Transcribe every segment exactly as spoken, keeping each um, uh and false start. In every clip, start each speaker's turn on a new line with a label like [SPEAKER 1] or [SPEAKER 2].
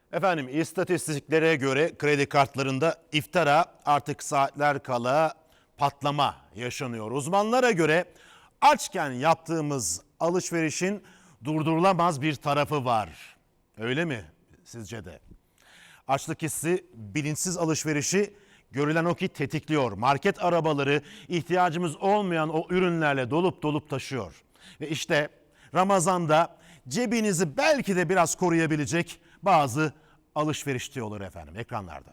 [SPEAKER 1] Efendim istatistiklere göre kredi kartlarında iftara artık saatler kala patlama yaşanıyor. Uzmanlara göre açken yaptığımız alışverişin durdurulamaz bir tarafı var. Öyle mi sizce de? Açlık hissi bilinçsiz alışverişi görülen o ki tetikliyor. Market arabaları ihtiyacımız olmayan o ürünlerle dolup dolup taşıyor. Ve işte Ramazan'da cebinizi belki de biraz koruyabilecek bazı alışveriş diyorlar efendim ekranlarda.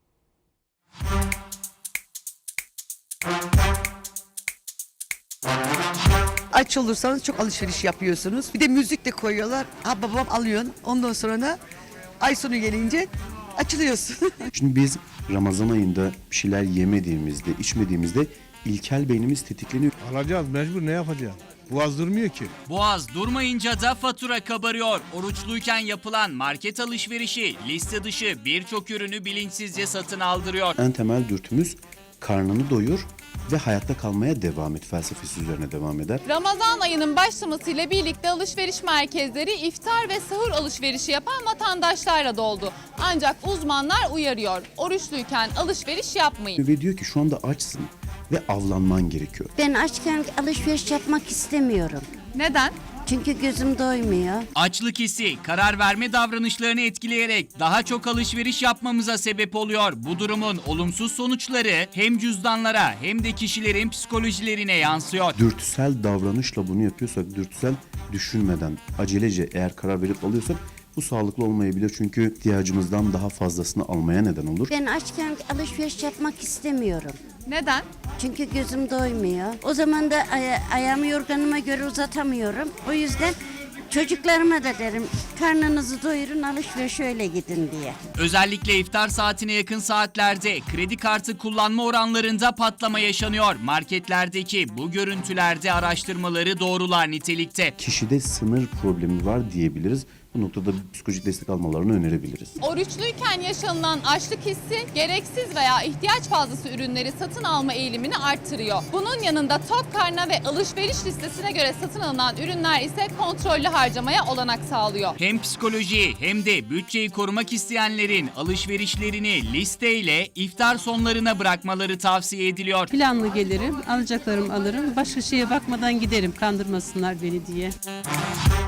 [SPEAKER 2] Aç olursanız çok alışveriş yapıyorsunuz. Bir de müzik de koyuyorlar. Ha babam alıyorsun. Ondan sonra da ay sonu gelince açılıyorsun.
[SPEAKER 3] Şimdi biz Ramazan ayında bir şeyler yemediğimizde, içmediğimizde ilkel beynimiz tetikleniyor.
[SPEAKER 4] Alacağız, mecbur, ne yapacağız? Boğaz durmuyor ki.
[SPEAKER 5] Boğaz durmayınca da fatura kabarıyor. Oruçluyken yapılan market alışverişi liste dışı birçok ürünü bilinçsizce satın aldırıyor.
[SPEAKER 3] En temel dürtümüz karnını doyur ve hayatta kalmaya devam et felsefesi üzerine devam eder.
[SPEAKER 6] Ramazan ayının başlamasıyla birlikte alışveriş merkezleri iftar ve sahur alışverişi yapan vatandaşlarla doldu. Ancak uzmanlar uyarıyor. Oruçluyken alışveriş yapmayın.
[SPEAKER 3] Ve diyor ki şu anda açsın ve avlanman gerekiyor.
[SPEAKER 7] Ben açken alışveriş yapmak istemiyorum.
[SPEAKER 6] Neden?
[SPEAKER 7] Çünkü gözüm doymuyor.
[SPEAKER 5] Açlık hissi karar verme davranışlarını etkileyerek daha çok alışveriş yapmamıza sebep oluyor. Bu durumun olumsuz sonuçları hem cüzdanlara hem de kişilerin psikolojilerine yansıyor.
[SPEAKER 3] Dürtüsel davranışla bunu yapıyorsak, dürtüsel düşünmeden, acelece eğer karar verip alıyorsak bu sağlıklı olmayabilir. Çünkü ihtiyacımızdan daha fazlasını almaya neden olur.
[SPEAKER 7] Ben açken alışveriş yapmak istemiyorum.
[SPEAKER 6] Neden?
[SPEAKER 7] Çünkü gözüm doymuyor. O zaman da aya- ayağımı yorganıma göre uzatamıyorum. O yüzden çocuklarıma da derim karnınızı doyurun, alışverişe öyle gidin diye.
[SPEAKER 5] Özellikle iftar saatine yakın saatlerde kredi kartı kullanma oranlarında patlama yaşanıyor. Marketlerdeki bu görüntülerde araştırmaları doğrular nitelikte.
[SPEAKER 3] Kişide sınır problemi var diyebiliriz. Bu noktada psikolojik destek almalarını önerebiliriz.
[SPEAKER 6] Oruçluyken yaşanılan açlık hissi gereksiz veya ihtiyaç fazlası ürünleri satın alma eğilimini arttırıyor. Bunun yanında tok karna ve alışveriş listesine göre satın alınan ürünler ise kontrollü harcamaya olanak sağlıyor.
[SPEAKER 5] Hem psikoloji hem de bütçeyi korumak isteyenlerin alışverişlerini listeyle iftar sonlarına bırakmaları tavsiye ediliyor.
[SPEAKER 8] Planlı gelirim, alacaklarımı alırım, başka şeye bakmadan giderim kandırmasınlar beni diye.